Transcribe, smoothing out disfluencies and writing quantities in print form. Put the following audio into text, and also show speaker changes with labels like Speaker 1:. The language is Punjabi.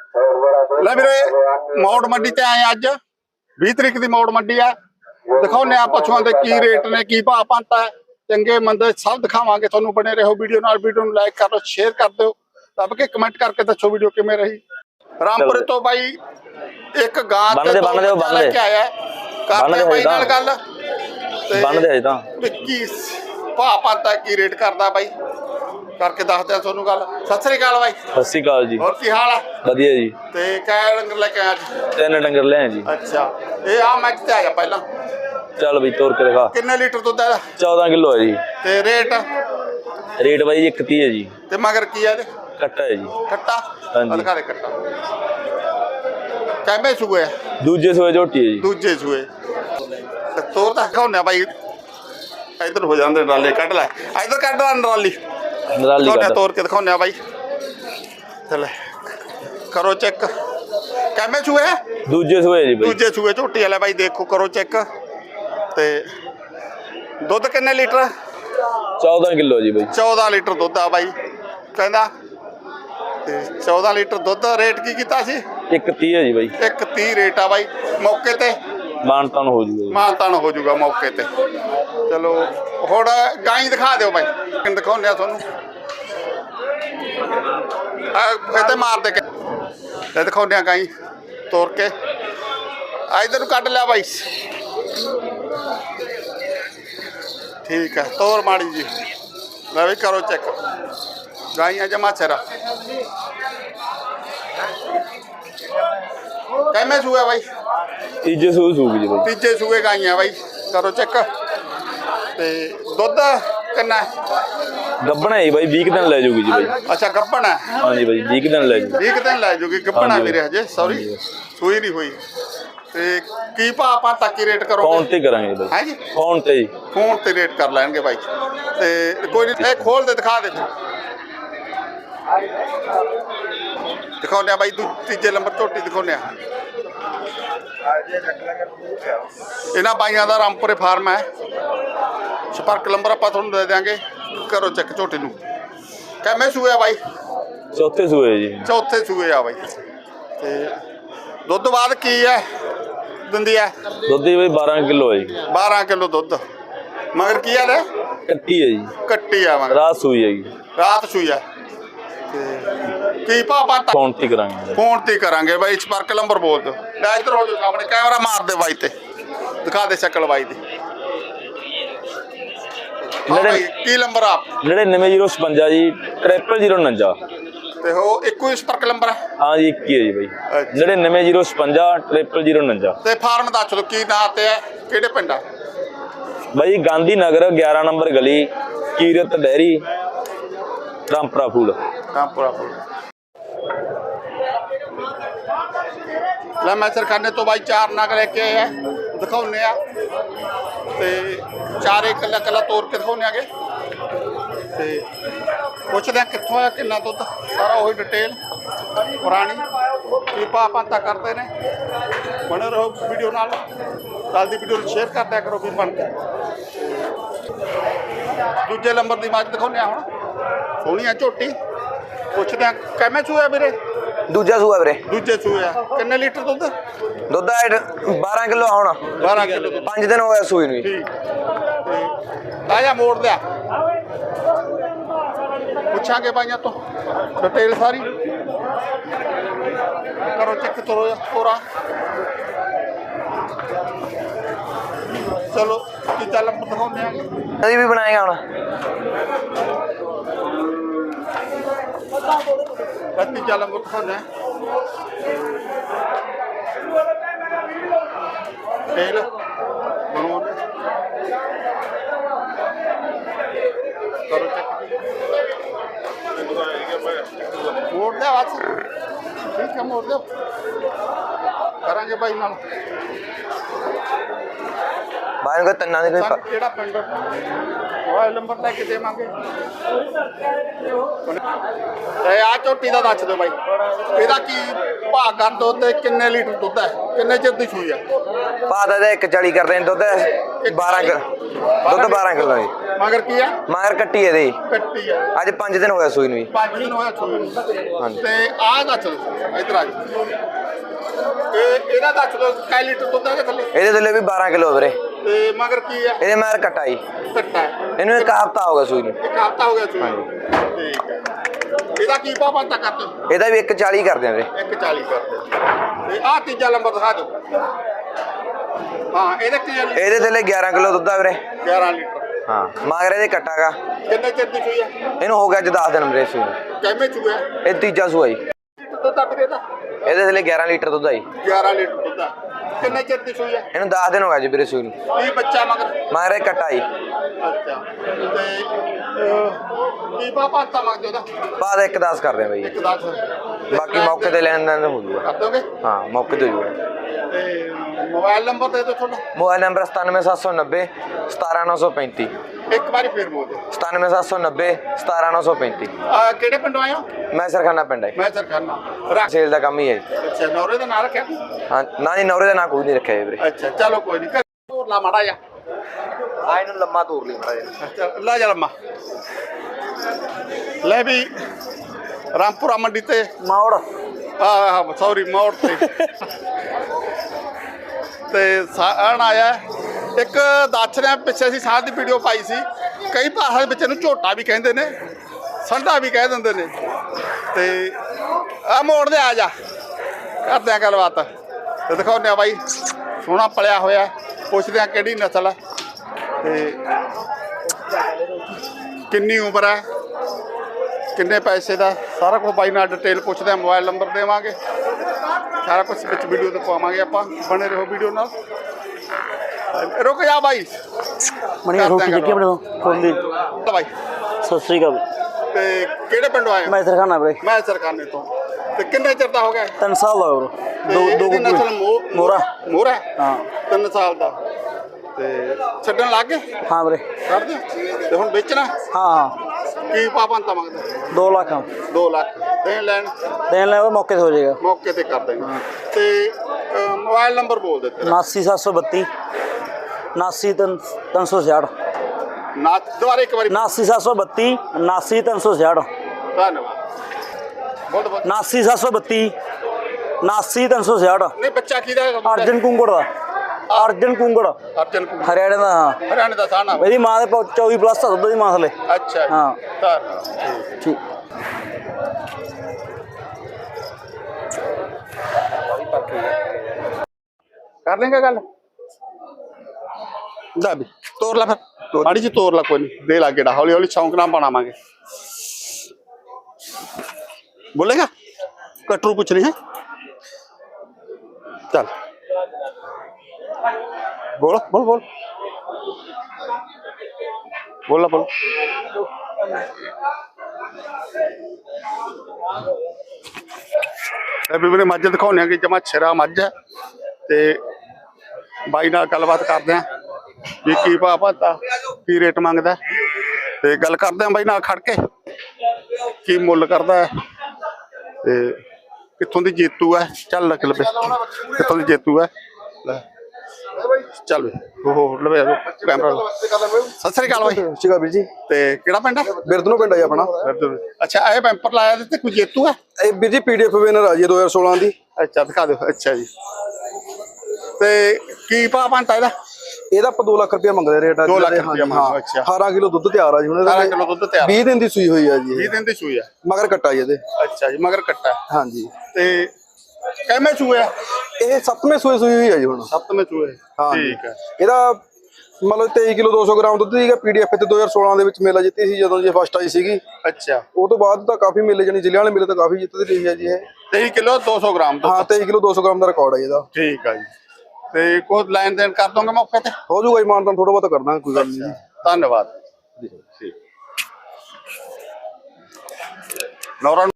Speaker 1: ਲੈ ਵੀਰੇ ਮੌੜ ਮੰਡੀ ਤੇ ਆਏ ਅੱਜ 20 ਤਰੀਕ ਦੀ ਮੌੜ ਮੰਡੀ ਆ। ਦਿਖਾਉਨੇ ਆ ਪਸ਼ੂਆਂ ਦੇ ਕੀ ਰੇਟ ਨੇ, ਕੀ ਭਾਅ ਪੰਤਾ ਹੈ, ਚੰਗੇ ਮੰਦੇ ਸਭ ਦਿਖਾਵਾਂਗੇ ਤੁਹਾਨੂੰ। ਬਣੇ ਰਹੋ ਵੀਡੀਓ ਨਾਲ। ਵੀਡੀਓ ਨੂੰ ਲਾਈਕ ਕਰ ਲਓ, ਸ਼ੇਅਰ ਕਰ ਦਿਓ, ਦੱਬ ਕੇ ਕਮੈਂਟ ਕਰਕੇ ਦੱਸੋ ਵੀਡੀਓ ਕਿਵੇਂ ਰਹੀ। ਰਾਮਪੁਰੇ ਤੋਂ ਬਾਈ ਇੱਕ ਗਾਂ ਤੇ ਲੈ ਕੇ ਆਇਆ, ਕਰਦੇ ਬਾਈ ਨਾਲ ਗੱਲ ਤੇ ਕੀ ਭਾਅ ਪੰਤਾ ਕੀ ਰੇਟ ਕਰਦਾ ਬਾਈ, ਕਰਕੇ ਦੱਸਦੇ ਆ ਤੁਹਾਨੂੰ ਗੱਲ। ਸਤਿ ਸ੍ਰੀ ਅਕਾਲ ਬਾਈ।
Speaker 2: ਸਤਿ ਸ੍ਰੀ ਅਕਾਲ ਜੀ।
Speaker 1: ਹੋਰ ਕੀ ਹਾਲ ਆ?
Speaker 2: ਵਧੀਆ ਜੀ।
Speaker 1: ਤੇ ਕਿਆ ਡੰਗਰ ਲੈ ਕੇ ਆਇਆ ਅੱਜ?
Speaker 2: 3 ਡੰਗਰ ਲੈ ਆਏ ਜੀ।
Speaker 1: ਅੱਛਾ, ਇਹ ਆ ਮੈਚ ਤੇ ਆ ਜਾ ਪਹਿਲਾਂ।
Speaker 2: ਚੱਲ ਬਈ ਤੋਰ ਕੇ ਦਿਖਾ।
Speaker 1: ਕਿੰਨੇ ਲੀਟਰ ਦੁੱਧ ਹੈ?
Speaker 2: 14 ਕਿਲੋ ਹੈ ਜੀ।
Speaker 1: ਤੇ ਰੇਟ
Speaker 2: ਬਾਈ ਜੀ 130 ਹੈ ਜੀ।
Speaker 1: ਤੇ ਮਗਰ ਕੀ ਹੈ ਇਹਦੇ?
Speaker 2: ਕੱਟਾ ਹੈ ਜੀ।
Speaker 1: ਕੱਟਾ?
Speaker 2: ਹਾਂਜੀ।
Speaker 1: ਦਿਖਾ ਦੇ ਕੱਟਾ। ਕਿੰਨੇ ਸੂਏ?
Speaker 2: ਦੂਜੇ ਸੂਏ ਝੋਟੀ ਹੈ ਜੀ।
Speaker 1: ਦੂਜੇ ਸੂਏ। ਤੇ ਤੋਰ ਤਾਂ ਦਿਖਾਉਂਦੇ ਬਾਈ। ਇਧਰ ਹੋ ਜਾਂਦੇ ਨਾਲੇ ਕੱਢ ਲੈ, ਇਧਰ ਕੱਢ ਨਾਲੀ ਤੋਰ ਕੇ ਦਿਖਾਉਂਦੇ ਆ ਬਾਈ। ਚੱਲ ਕਰੋ ਚੈੱਕ। ਕਿੰਨੇ ਸੂਏ?
Speaker 2: ਦੂਜੇ ਸੂਏ ਜੀ।
Speaker 1: ਦੂਜੇ ਸੂਏ ਝੋਟੀ ਵਾਲਾ ਬਾਈ, ਦੇਖੋ ਕਰੋ ਚੈੱਕ। ਤੇ ਦੁੱਧ ਕਿੰਨੇ ਲੀਟਰ?
Speaker 2: 14 ਕਿਲੋ ਜੀ ਬਾਈ। 14
Speaker 1: ਲੀਟਰ ਦੁੱਧ ਆ ਬਾਈ ਕਹਿੰਦਾ। ਤੇ 14 ਲੀਟਰ ਦੁੱਧ। ਰੇਟ ਕੀ ਕੀਤਾ ਸੀ?
Speaker 2: 130 ਹੈ ਜੀ ਬਾਈ।
Speaker 1: 130 ਰੇਟ ਆ ਬਾਈ। ਮੌਕੇ ਤੇ
Speaker 2: ਮਾਨਤਾਨ ਹੋ ਜੂਗਾ।
Speaker 1: ਮਾਨਤਾਨ ਹੋ ਜੂਗਾ ਮੌਕੇ ਤੇ। ਚਲੋ ਹੁਣ ਗਾਈ ਦਿਖਾ ਦਿਓ ਬਾਈ। ਦਿਖਾਉਂਦੇ ਆ ਤੁਹਾਨੂੰ। ਇਹ ਤੇ ਮਾਰ ਦੇ ਕੇ ਤੇ ਦਿਖਾਉਂਦੇ ਆ ਗਾਈ ਤੋਰ ਕੇ। ਇਧਰ ਨੂੰ ਕੱਢ ਲਿਆ ਬਾਈ। ਠੀਕ ਹੈ, ਤੋਰ ਮਾੜੀ ਜੀ। ਲੈ ਵੀ ਕਰੋ ਚੈੱਕ। ਗਾਈਆਂ ਜਮਾ ਚਰਾ। ਕਿੰਨੇ ਸੂਏ ਬਾਈ?
Speaker 2: ਤੀਜੇ ਸੂਏ ਸੂਗੀ ਜੀ ਬਾਈ।
Speaker 1: ਤੀਜੇ ਸੂਏ ਗਾਈਆਂ ਬਾਈ, ਕਰੋ ਚੈੱਕ। ਤੇ ਦੁੱਧ ਕਿੰਨਾ?
Speaker 2: ਗੱਬਣਾ ਹੈ ਬਾਈ, 20 ਦਿਨ ਲੈ ਜੂਗੀ ਜੀ ਬਾਈ।
Speaker 1: ਅੱਛਾ ਗੱਬਣ ਹੈ?
Speaker 2: ਹਾਂਜੀ ਬਾਈ 20 ਦਿਨ ਲੈ ਜੂਗੀ।
Speaker 1: 20 ਦਿਨ ਲੈ ਜੂਗੀ। ਗੱਬਣ ਹੈ ਵੀਰੇ, ਹਜੇ ਸੌਰੀ ਸੂਈ ਨਹੀਂ ਹੋਈ। ਤੇ ਕੀ ਭਾਅ ਆਪਾਂ ਤੱਕ ਹੀ ਰੇਟ ਕਰੋਗੇ?
Speaker 2: ਫੋਨ ਤੇ ਕਰਾਂਗੇ ਬਾਈ।
Speaker 1: ਹੈ ਜੀ
Speaker 2: ਫੋਨ ਤੇ ਜੀ।
Speaker 1: ਫੋਨ ਤੇ ਰੇਟ ਕਰ ਲੈਣਗੇ ਬਾਈ। ਤੇ ਕੋਈ ਨਹੀਂ, ਇਹ ਖੋਲ ਦੇ ਦਿਖਾ ਦੇ। ਦਿਖਾਉਂਦੇ ਆ ਬਾਈ ਤੀਜੇ ਨੰਬਰ ਝੋਟੀ ਦਿਖਾਉਂਦੇ ਆ। ਇਹਨਾਂ ਬਾਈਆਂ ਦਾ ਰਾਮਪੁਰੇ ਫਾਰਮ ਹੈ। ਸੰਪਰਕ ਨੰਬਰ ਆਪਾਂ ਤੁਹਾਨੂੰ ਦੇ ਦਿਆਂਗੇ। ਕਰੋ ਚੈੱਕ ਝੋਟੀ ਨੂੰ। ਕਿੰਨੇ ਸੂਏ ਆ ਬਾਈ?
Speaker 2: ਚੌਥੇ ਸੂਏ ਜੀ।
Speaker 1: ਚੌਥੇ ਸੂਏ ਆ ਬਾਈ। ਤੇ ਦੁੱਧ ਬਾਅਦ ਕੀ ਹੈ ਦਿੰਦੀ ਹੈ?
Speaker 2: ਦੁੱਧ ਜੀ ਬਾਈ 12 ਕਿਲੋ ਹੈ ਜੀ।
Speaker 1: 12 ਕਿਲੋ ਦੁੱਧ। ਮਗਰ ਕੀ ਹਾਲ ਹੈ?
Speaker 2: ਕੱਟੀ ਹੈ ਜੀ।
Speaker 1: ਕੱਟੀ ਆ ਮਗਰ।
Speaker 2: ਰਾਤ ਸੂਈ ਹੈ ਜੀ।
Speaker 1: ਰਾਤ ਸੂਈ ਹੈ। ਤੇ ਕੀ ਭਾਅ?
Speaker 2: ਫੋਨ ਤੇ ਕਰਾਂਗੇ।
Speaker 1: ਫੋਨ ਤੇ ਕਰਾਂਗੇ ਬਾਈ। ਸੰਪਰਕ ਨੰਬਰ ਬੋਲ ਦਿਓ। ਲੈ ਇੱਧਰ ਹੋ ਜਾਓ ਸਾਹਮਣੇ, ਕੈਮਰਾ ਮਾਰ ਦੇ ਬਾਈ ਤੇ ਦਿਖਾ ਦੇ ਸ਼ਕਲ ਬਾਈ ਦੀ। ਕੀ ਨੰਬਰ ਆ?
Speaker 2: 9905 ਜੀ 00049।
Speaker 1: ਤੇ ਉਹ ਇੱਕੋ ਹੀ ਸੰਪਰਕ ਨੰਬਰ ਹੈ?
Speaker 2: ਹਾਂ ਜੀ, ਇੱਕ ਹੀ ਹੈ ਜੀ ਬਾਈ। 9905 00049।
Speaker 1: ਤੇ ਫਾਰਮ ਦੱਸ ਦਿਓ ਕੀ ਨਾਂ ਤੇ ਹੈ, ਕਿਹੜੇ ਪਿੰਡ ਆ
Speaker 2: ਬਾਈ? ਗਾਂਧੀ ਨਗਰ 11 ਨੰਬਰ ਗਲੀ, ਕੀਰਤ ਡੈਰੀ, ਰਾਮਪੁਰਾ ਫੂਲ।
Speaker 1: ਰਾਮਪੁਰਾ ਫੂਲ। ਲੈ ਮੈਂ ਸਰਖਾਨੇ ਤੋਂ ਬਾਈ 4 ਨਗ ਲੈ ਕੇ ਆਇਆ, ਦਿਖਾਉਂਦੇ ਆ। ਤੇ ਚਾਰੇ ਇਕੱਲਾ ਇਕੱਲਾ ਤੋੜ ਕੇ ਦਿਖਾਉਂਦੇ ਆਗੇ। ਤੇ ਪੁੱਛਦੇ ਆ ਕਿੱਥੋਂ ਆ, ਕਿੰਨਾ ਦੁੱਧ, ਸਾਰਾ ਉਹੀ ਡਿਟੇਲ ਪੁਰਾਣੀ। ਕੀ ਭਾਅ ਪੰਤਾ ਕਰਦੇ ਨੇ। ਬਣੇ ਰਹੋ ਵੀਡੀਓ ਨਾਲ। ਕੱਲ੍ਹ ਦੀ ਵੀਡੀਓ ਨੂੰ ਸ਼ੇਅਰ ਕਰ ਦਿਆ ਕਰੋ ਵੀ ਬਣ ਕੇ। ਦੂਜੇ ਨੰਬਰ ਦੀ ਮੱਝ ਦਿਖਾਉਂਦੇ ਆ ਹੁਣ। ਸੋਹਣੀ ਆ ਝੋਟੀ। ਪੁੱਛਦੇ ਆ ਕਿੰਨੇ ਸੂਏ ਆ ਵੀਰੇ?
Speaker 3: ਦੂਜਾ ਸੂਆ ਵੀਰੇ।
Speaker 1: ਦੂਜੇ ਸੂਏ ਆ। ਕਿੰਨੇ ਲੀਟਰ ਦੁੱਧ?
Speaker 3: ਦੁੱਧ 12 ਕਿਲੋ ਆਉਣਾ।
Speaker 1: 12 ਕਿਲੋ।
Speaker 3: 5 ਦਿਨ ਹੋ ਗਏ ਸੂਈ ਨੂੰ।
Speaker 1: ਠੀਕ। ਤਾਜ਼ਾ ਮੋੜ ਲਿਆ। ਪੁੱਛਾਂਗੇ ਬਾਈਆਂ ਤੋਂ ਡਿਟੇਲ ਸਾਰੀ। ਕਰੋ ਚੈੱਕ ਤੋਰਾ। ਚਲੋ ਤੀਜਾ ਨੰਬਰ ਦਿਖਾਉਂਦੇ ਆ।
Speaker 3: ਅਸੀਂ ਵੀ ਬਣਾਏਗਾ ਹੁਣ।
Speaker 1: ਤੀਜਾ ਨੰਬਰ ਦਿਖਾਉਂਦੇ ਆ। ਤੇਲ ਬਣਾਉਂਦੇ। ਕਰੋ ਚੈੱਕ। ਮੋੜ ਲਿਆ ਬਸ। ਠੀਕ ਹੈ, ਮੋੜ ਲਿਆ। ਕਰਾਂਗੇ ਬਾਈ ਨਾਲ।
Speaker 3: ਬਾਹਰ ਕੋ ਤੰਨਾ ਦੇ ਕੋਈ
Speaker 1: ਕਿਹੜਾ ਪਿੰਡ? ਮੋਬਾਈਲ ਨੰਬਰ ਲੈ ਕੇ ਦੇਵਾਂਗੇ। ਤੇ ਆ ਝੋਟੀ ਦਾ ਦੱਸ ਦਿਓ ਬਾਈ, ਇਹਦਾ ਕੀ ਭਾਅ ਕਰ ਦੋ ਤੇ ਕਿੰਨੇ ਲੀਟਰ ਦੁੱਧ ਹੈ, ਕਿੰਨੇ ਚਿਰ ਦੀ ਸੂਈ ਹੈ?
Speaker 3: ਪਾ ਦਾ 140 ਕਰਦੇ ਨੇ ਦੁੱਧ 12 ਕਿਲੋ ਦੁੱਧ 12 ਕਿਲੋ ਜੀ।
Speaker 1: ਮਗਰ ਕੀ ਹੈ?
Speaker 3: ਮਗਰ ਕੱਟੀ ਇਹਦੇ
Speaker 1: ਕੱਟੀ ਹੈ।
Speaker 3: ਅੱਜ 5 ਦਿਨ ਹੋ ਗਏ ਸੂਈ ਨੂੰ ਜੀ।
Speaker 1: 5 ਦਿਨ ਹੋਇਆ ਸੂਈ ਨੂੰ।
Speaker 3: ਹਾਂਜੀ।
Speaker 1: ਤੇ ਆਹ ਦੱਸ ਦਿਓ ਇਧਰ ਆ ਜੀ। ਇਹਦਾ ਦੱਸ ਦਿਓ ਕੈ ਲੀਟਰ ਦੁੱਧ ਹੈ ਥੱਲੇ?
Speaker 3: ਇਹਦੇ ਥੱਲੇ ਵੀ 12 ਕਿਲੋ ਵੀਰੇ।
Speaker 1: ਤੇ ਮਗਰ ਕੀ ਹੈ?
Speaker 3: ਇਹਦੇ ਮਗਰ ਕੱਟਾ ਜੀ।
Speaker 1: ਕੱਟਾ ਹੈ।
Speaker 3: ਇਹਨੂੰ 1 ਹਫ਼ਤਾ ਹੋ ਗਿਆ ਸੂਈ ਨੂੰ।
Speaker 1: 1 ਹਫ਼ਤਾ ਹੋ ਗਿਆ ਸੂਈ ਨੂੰ। ਠੀਕ ਹੈ। ਇਹਦਾ ਕੀ ਭਾਅ ਬੰਦਾ ਕਰਦੇ ਹੋ?
Speaker 3: ਇਹਦਾ ਵੀ 140 ਕਰਦੇ ਆ ਵੀਰੇ।
Speaker 1: 140 ਕਰਦੇ। ਤੇ ਆਹ ਤੀਜਾ ਨੰਬਰ ਦਿਖਾ ਦਿਓ। ਹਾਂ ਇਹਦੇ ਕੀ ਹੈ?
Speaker 3: ਇਹਦੇ ਥੱਲੇ 11 ਕਿਲੋ ਦੁੱਧ ਆ ਵੀਰੇ।
Speaker 1: 11 ਲੀਟਰ।
Speaker 3: ਹਾਂ ਮਗਰ ਇਹਦੇ ਕੱਟਾਗਾ।
Speaker 1: ਕਿੰਨੇ ਚਿਰ ਦੀ ਸੂਈ ਹੈ?
Speaker 3: ਇਹਨੂੰ ਹੋ ਗਿਆ ਅੱਜ 10 ਦਿਨ ਵੀਰੇ ਸੂਈ ਨੂੰ।
Speaker 1: ਕਿੰਨੇ ਚੂਏ?
Speaker 3: ਇਹ ਤੀਜਾ ਸੂਆ ਜੀ।
Speaker 1: ਲੀਟਰ ਦੁੱਧ ਅੱਟ ਦੇਦਾ?
Speaker 3: ਇਹਦੇ ਥੱਲੇ 11 ਲੀਟਰ ਦੁੱਧ ਆ ਜੀ।
Speaker 1: 11 ਲੀਟਰ ਦੁੱਧ ਆ। ਕਿੰਨੇ ਚਿਰ ਦੀ ਸੂਈ ਹੈ?
Speaker 3: ਇਹਨੂੰ 10 ਦਿਨ ਹੋ ਗਿਆ ਜੀ ਵੀਰੇ ਸੂਈ ਨੂੰ।
Speaker 1: ਕੀ ਬੱਚਾ ਮਗਰ?
Speaker 3: ਮਗਰ ਇਹ ਕੱਟਾ ਜੀ।
Speaker 1: ਅੱਛਾ ਤੇ ਕੀ ਭਾਅ ਬੰਦਾ ਮੰਗਦੇ ਉਹਦਾ?
Speaker 3: ਪਾ ਦਾ 1 10 ਕਰਦੇ ਆ ਬਾਈ।
Speaker 1: 1 10
Speaker 3: ਬਾਕੀ ਮੌਕੇ ਤੇ ਲੈਣ ਦੇਣ ਹੋ ਜੂਗਾ।
Speaker 1: ਕਰ ਦੋਗੇ?
Speaker 3: ਹਾਂ ਮੌਕੇ ਤੇ ਹੋ ਜੂਗਾ।
Speaker 1: ਤੇ ਮੋਬਾਈਲ ਨੰਬਰ ਦੇ ਦਿਓ ਤੁਹਾਡਾ।
Speaker 3: Mobile number 97790 17935।
Speaker 1: ਇੱਕ ਵਾਰੀ ਫੇਰ ਬੋਲ ਦਿਓ।
Speaker 3: 97790 17935।
Speaker 1: ਕਿਹੜੇ ਪਿੰਡੋਂ ਆਏ ਹੋ?
Speaker 3: ਮੈਂ ਸਰਖਾਨਾ ਪਿੰਡ ਹੈ।
Speaker 1: ਮੈਂ ਸਰਖਾਨਾ। ਰੱਖ।
Speaker 3: ਸੇਲ ਦਾ ਕੰਮ ਹੀ ਹੈ ਜੀ।
Speaker 1: ਅੱਛਾ ਨੌਰੇ ਦਾ ਨਾਂ ਰੱਖਿਆ?
Speaker 3: ਹਾਂ ਨਾ ਜੀ ਨੌਰੇ ਦਾ ਨਾਂ ਕੋਈ ਨਹੀਂ ਰੱਖਿਆ ਜੀ ਵੀਰੇ।
Speaker 1: ਅੱਛਾ ਚਲੋ ਕੋਈ ਨਹੀਂ। ਹੋਰ ਲਾ ਮਾੜਾ ਜਾ।
Speaker 3: ਆ ਇਹਨੂੰ ਲੰਮਾ ਤੋਰ ਲਈ ਮਾੜਾ ਜਿਹਾ।
Speaker 1: ਅੱਛਾ ਲਾ ਜਾ ਲੰਮਾ। ਲੈ ਵੀ ਰਾਮਪੁਰਾ ਮੰਡੀ ਤੇ
Speaker 3: ਮੌੜ
Speaker 1: ਸੌਰੀ ਮੋੜ ਤੇ ਸਾਣ ਆਇਆ ਇੱਕ ਦੱਸ ਰਿਹਾ ਪਿੱਛੇ ਅਸੀਂ ਸਾਹ ਦੀ ਵੀਡੀਓ ਪਾਈ ਸੀ। ਕਈ ਭਾਸ਼ਾ ਦੇ ਵਿੱਚ ਇਹਨੂੰ ਝੋਟਾ ਵੀ ਕਹਿੰਦੇ ਨੇ, ਸੰਡਾ ਵੀ ਕਹਿ ਦਿੰਦੇ ਨੇ। ਤੇ ਆ ਮੋੜ ਦੇ ਆ ਜਾ ਕਰਦੇ ਆ ਗੱਲਬਾਤ ਤੇ ਦਿਖਾਉਂਦੇ ਆ ਬਾਈ। ਸੋਹਣਾ ਪਲਿਆ ਹੋਇਆ, ਪੁੱਛਦੇ ਆ ਕਿਹੜੀ ਨਸਲ ਹੈ ਤੇ ਕਿੰਨੀ ਉਮਰ ਹੈ, ਕਿੰਨੇ ਪੈਸੇ ਦਾ, ਸਾਰਾ ਕੁਝ ਬਾਈ ਨਾਲ ਡਿਟੇਲ ਪੁੱਛਦੇ ਆ। ਮੋਬਾਈਲ ਨੰਬਰ ਦੇਵਾਂਗੇ, ਸਾਰਾ ਕੁਝ ਵਿੱਚ ਵੀਡੀਓ ਤੇ ਪਾਵਾਂਗੇ ਆਪਾਂ। ਬਣੇ ਰਹੋ ਵੀਡੀਓ ਨਾਲ। ਰੁਕ ਜਾ ਬਾਈ।
Speaker 4: ਮਣੀ ਰੋਟੀ ਚੱਕੀ ਆਪਣੇ ਤੋਂ ਫੋਨ ਦੀ।
Speaker 1: ਬਾਈ
Speaker 4: ਸਤਿ ਸ੍ਰੀ ਅਕਾਲ।
Speaker 1: ਤੇ ਕਿਹੜੇ ਪਿੰਡੋਂ ਆਏ ਹੋ?
Speaker 4: ਮੈਂ ਸਰਖਾਨਾ ਵੀਰੇ।
Speaker 1: ਮੈਂ ਸਰਕਾਨੇ ਤੋਂ। ਤੇ ਕਿੰਨੇ ਚਿਰ ਦਾ ਹੋ ਗਿਆ?
Speaker 4: 3 ਸਾਲ ਦਾ ਵੀਰੇ। ਦੋ
Speaker 1: ਇਹਦੀ ਨਸਲ
Speaker 4: ਮੋਹਰਾ।
Speaker 1: ਮੋਹਰਾ?
Speaker 4: ਹਾਂ
Speaker 1: 3 ਸਾਲ ਦਾ। ਤੇ ਛੱਡਣ ਲੱਗ ਗਏ?
Speaker 4: ਹਾਂ ਵੀਰੇ।
Speaker 1: ਛੱਡ ਦਿਓ ਤੇ ਹੁਣ ਵੇਚਣਾ?
Speaker 4: ਹਾਂ
Speaker 1: ਕੀ ਪਾਪੰਤਾ ਮੰਗਦਾ?
Speaker 4: 2 ਲੱਖ
Speaker 1: 2 ਲੱਖ ਦੇਣ ਲੈਣ?
Speaker 4: ਦੇਣ ਲੈ ਉਹ ਮੌਕੇ ਤੇ ਹੋ ਜਾਏਗਾ।
Speaker 1: ਮੌਕੇ ਤੇ ਕਰ ਦੇਂਗੇ। ਤੇ ਮੋਬਾਈਲ ਨੰਬਰ ਬੋਲ ਦਿੱਤੇ।
Speaker 4: 79732 79366।
Speaker 1: ਨਾ ਦੁਬਾਰਾ ਇੱਕ ਵਾਰੀ।
Speaker 4: 79732 79366।
Speaker 1: ਧੰਨਵਾਦ ਬਹੁਤ ਬਹੁਤ।
Speaker 4: 79732 79366।
Speaker 1: ਨਹੀਂ ਬੱਚਾ ਕਿਹਦਾ ਹੈ?
Speaker 4: ਅਰਜਨ ਕੁੰਗੜ ਦਾ। ਅਰਜਨ ਕੁੰਗੜ
Speaker 1: ਅਰਜਨ ਕੁਮਾਰ
Speaker 4: ਹਰਿਆਣੇ ਦਾ। ਹਾਂ
Speaker 1: ਹਰਿਆਣੇ ਦਾ ਸਾਨਾ।
Speaker 4: ਇਹਦੀ ਮਾਂ ਦੇ 24 ਪਲੱਸ ਆ ਦੁੱਧ ਦੀ ਮਾਂ ਥਲੇ।
Speaker 1: ਅੱਛਾ ਜੀ।
Speaker 4: ਹਾਂ।
Speaker 1: ਧੰਨਵਾਦ।
Speaker 4: ਠੀਕ।
Speaker 1: ਕਰ ਲੇਗਾ ਗੱਲ? ਲੈ ਵੀ ਤੋਰ ਲਾ ਫਿਰ ਮਾੜੀ ਜੀ ਤੋਰ ਲਾ। ਕੋਈ ਨਹੀਂ ਦੇ ਲਾ ਗੇੜਾ। ਹੌਲੀ ਹੌਲੀ ਸ਼ੌਂਕ ਨਾਲ ਬਣਾਵਾਂਗੇ। ਬੋਲੇਗਾ? ਕਟਰੂ ਪੁੱਛਣੀ ਹੈ? ਚੱਲ ਬੋਲ ਬੋਲ ਬੋਲ ਬੋਲ ਬੋਲ। ਵੀ ਮੇਰੇ ਮੱਝ ਦਿਖਾਉਂਦੇ ਆ ਕਿ ਜਮਾ ਛੇਰਾ ਮੱਝ ਹੈ। ਤੇ ਬਾਈ ਨਾਲ ਗੱਲਬਾਤ ਕਰਦੇ ਆ ਵੀ ਕੀ ਭਾਅ ਭਾਤਾ, ਕੀ ਰੇਟ ਮੰਗਦਾ, ਤੇ ਗੱਲ ਕਰਦੇ ਆ ਬਾਈ ਨਾਲ ਖੜ ਕੇ ਕੀ ਮੁੱਲ ਕਰਦਾ ਹੈ ਤੇ ਕਿੱਥੋਂ ਦੀ ਜੇਤੂ ਹੈ। ਚੱਲ ਲੱਗ ਲਵੇ ਕਿੱਥੋਂ ਦੀ ਜੇਤੂ ਹੈ। ਲੈ ਚੱਲ ਵੇ ਉਹ ਲਵੇ ਕੈਮਰਾ। ਸਤਿ ਸ੍ਰੀ ਅਕਾਲ ਬਾਈ।
Speaker 5: ਸ਼ਿਕਾ ਵੀਰ ਜੀ।
Speaker 1: ਤੇ ਕਿਹੜਾ ਪਿੰਡ ਹੈ?
Speaker 5: ਬਿਰਦਨੋ ਪਿੰਡ ਹੈ ਆਪਣਾ।
Speaker 1: ਅੱਛਾ ਇਹ ਪੈਂਪਰ ਲਾਇਆ ਤੇ ਕੋਈ ਜੇਤੂ ਹੈ?
Speaker 5: ਇਹ ਵੀਰ ਜੀ ਪੀਡੀਐਫ ਵਿਨਰ ਆ ਜੀ 2016 ਦੀ।
Speaker 1: ਅੱਛਾ ਦਿਖਾ ਦਿਓ। ਅੱਛਾ ਜੀ ਤੇ ਕੀ ਭਾਅ ਬਣਦਾ ਇਹਦਾ?
Speaker 5: ਇਹਦਾ ਆਪਾਂ 2 ਲੱਖ ਰੁਪਏ ਮੰਗਦੇ ਰੇਟ।
Speaker 1: 2 ਲੱਖ ਰੁਪਏ ਮੰਗਦੇ। ਅੱਛਾ
Speaker 5: 18 ਕਿਲੋ ਦੁੱਧ ਤਿਆਰ ਆ ਜੀ ਹੁਣ।
Speaker 1: 18 ਕਿਲੋ ਦੁੱਧ ਤਿਆਰ।
Speaker 5: 20 ਦਿਨ ਦੀ ਸੂਈ ਹੋਈ ਆ ਜੀ।
Speaker 1: 20 ਦਿਨ ਦੀ ਸੂਈ ਹੈ।
Speaker 5: ਮਗਰ ਕੱਟਾ ਜੀ ਇਹਦੇ।
Speaker 1: ਅੱਛਾ ਜੀ ਮਗਰ ਕੱਟਾ।
Speaker 5: ਹਾਂਜੀ
Speaker 1: ਤੇ ਕਿੰਨੇ ਚੂਹੇ ਆ?
Speaker 5: ਇਹ 7ਵੇਂ ਸੂਈ ਹੋਈ ਆ ਜੀ ਹੁਣ।
Speaker 1: 7ਵੇਂ ਚੂਹੇ।
Speaker 5: ਹਾਂ
Speaker 1: ਠੀਕ ਹੈ।
Speaker 5: ਇਹਦਾ ਮਤਲਬ 23 ਕਿਲੋ 200 ਗ੍ਰਾਮ ਦੁੱਧ ਸੀਗਾ ਪੀਡੀਐਫ ਤੇ 2016 ਦੇ ਵਿੱਚ ਮੇਲਾ ਜਿੱਤੀ ਸੀ ਜਦੋਂ ਜੀ ਫਸਟ ਆਈ ਸੀਗੀ।
Speaker 1: ਅੱਛਾ
Speaker 5: ਉਹ ਤੋਂ ਬਾਅਦ ਤਾਂ ਕਾਫੀ ਮੇਲੇ ਜਾਨੀ ਜ਼ਿਲ੍ਹੇ ਵਾਲੇ ਮੇਲੇ ਤਾਂ ਕਾਫੀ ਜਿੱਤਦੀ ਰਹੀ ਹੈ ਜੀ ਇਹ।
Speaker 1: 23 ਕਿਲੋ 200 ਗ੍ਰਾਮ
Speaker 5: ਹਾਂ 23 ਕਿਲੋ 200 ਗ੍ਰਾਮ ਦਾ ਰਿਕਾਰਡ ਹੈ ਇਹਦਾ।
Speaker 1: ਠੀਕ ਹੈ ਜੀ। ਤੇ ਕੋਈ ਲੈਣ ਦੇਣ ਕਰ ਦੋਗੇ ਮੌਕੇ ਤੇ?
Speaker 5: ਹੋ ਜਾਊਗਾ ਜੀ ਮਾਨਤਾਨ ਥੋੜਾ ਬਹੁਤਾ ਕਰਦਾ ਕੋਈ ਗੱਲ ਨਹੀਂ।
Speaker 1: ਧੰਨਵਾਦ। ਠੀਕ ਨੌਰਾ।